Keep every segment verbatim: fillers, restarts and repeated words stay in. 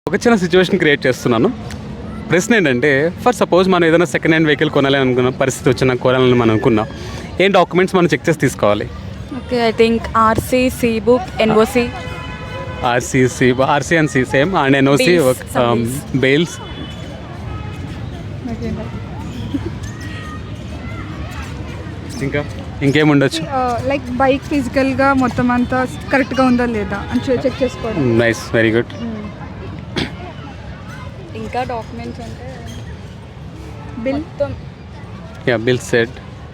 ఒక చిన్న situation create చేస్తున్నాను. ప్రశ్న ఏంటంటే, ఫర్ సపోజ్ మనం ఏదైనా సెకండ్ హ్యాండ్ వెహికల్ కొనాలని అనుకున్న పరిస్థితి వచ్చినా కొనాలని మనం అనుకున్నాం, ఏం డాక్యుమెంట్స్ మనం చెక్ చేసి తీసుకోవాలి? Okay, I think RC, C book, NOC. RC C RC and C same and NOC, Bills, some bails. ఇంకా ఇంకేం ఉండొచ్చు? లైక్ బైక్ ఫిజికల్గా మొత్తం అంతా కరెక్ట్గా ఉందా లేదా అని చెక్ చేసుకోవడం. Nice, very good. ఇంకా డాక్యుమెంట్స్ అంటే బిల్. మొత్తం yeah, bill set.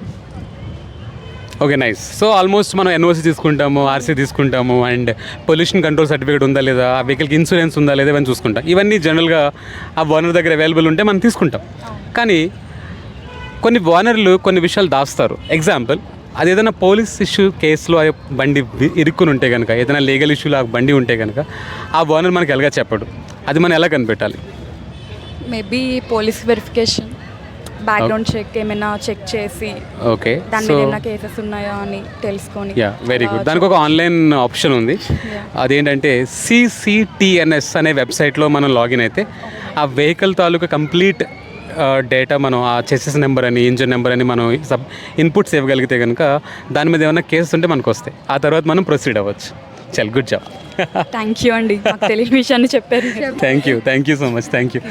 Okay, nice. So almost మనం ఎన్ఓసి తీసుకుంటాము, ఆర్సీ తీసుకుంటాము, అండ్ పొల్యూషన్ కంట్రోల్ సర్టిఫికేట్ ఉందా లేదా, ఆ వెహికల్కి ఇన్సూరెన్స్ ఉందా లేదా ఇవన్నీ చూసుకుంటాం. ఇవన్నీ జనరల్గా ఆ ఓనర్ దగ్గర అవైలబుల్ ఉంటే మనం తీసుకుంటాం. కానీ కొన్ని ఓనర్లు కొన్ని విషయాలు దాస్తారు. ఎగ్జాంపుల్, అది ఏదైనా పోలీస్ ఇష్యూ కేసులో ఆ బండి వి- ఇరుక్కుని ఉంటే కనుక, ఏదైనా లీగల్ ఇష్యూలో ఆ బండి ఉంటే కనుక ఆ ఓనర్ మనకి ఎలాగా చెప్పడు. అది మనం ఎలా కనిపెట్టాలి? Maybe police verification, background check ఏమైనా చెక్ చేసి ఓకే, దాని సో మీద ఏమైనా కేసెస్ ఉన్నాయా అని తెలుసుకొని. Yeah, very good. దానికి ఒక ఆన్లైన్ ఆప్షన్ ఉంది. అదేంటంటే సిసిటిఎన్ఎస్ అనే వెబ్సైట్లో మనం లాగిన్ అయితే ఆ వెహికల్ తాలూకా కంప్లీట్ డేటా మనం ఆ చెసెస్ నెంబర్ అని, ఇంజిన్ నెంబర్ అని మనం సబ్ ఇన్పుట్స్ ఇవ్వగలిగితే కనుక దాని మీద ఏమైనా కేసెస్ ఉంటే మనకు వస్తాయి. ఆ తర్వాత మనం ప్రొసీడ్ అవ్వచ్చు. చల్, గుడ్ జాబ్. థ్యాంక్ యూ అండి, మాకు తెలియని విషయాన్ని చెప్పారు. Thank you thank you so much. Thank you.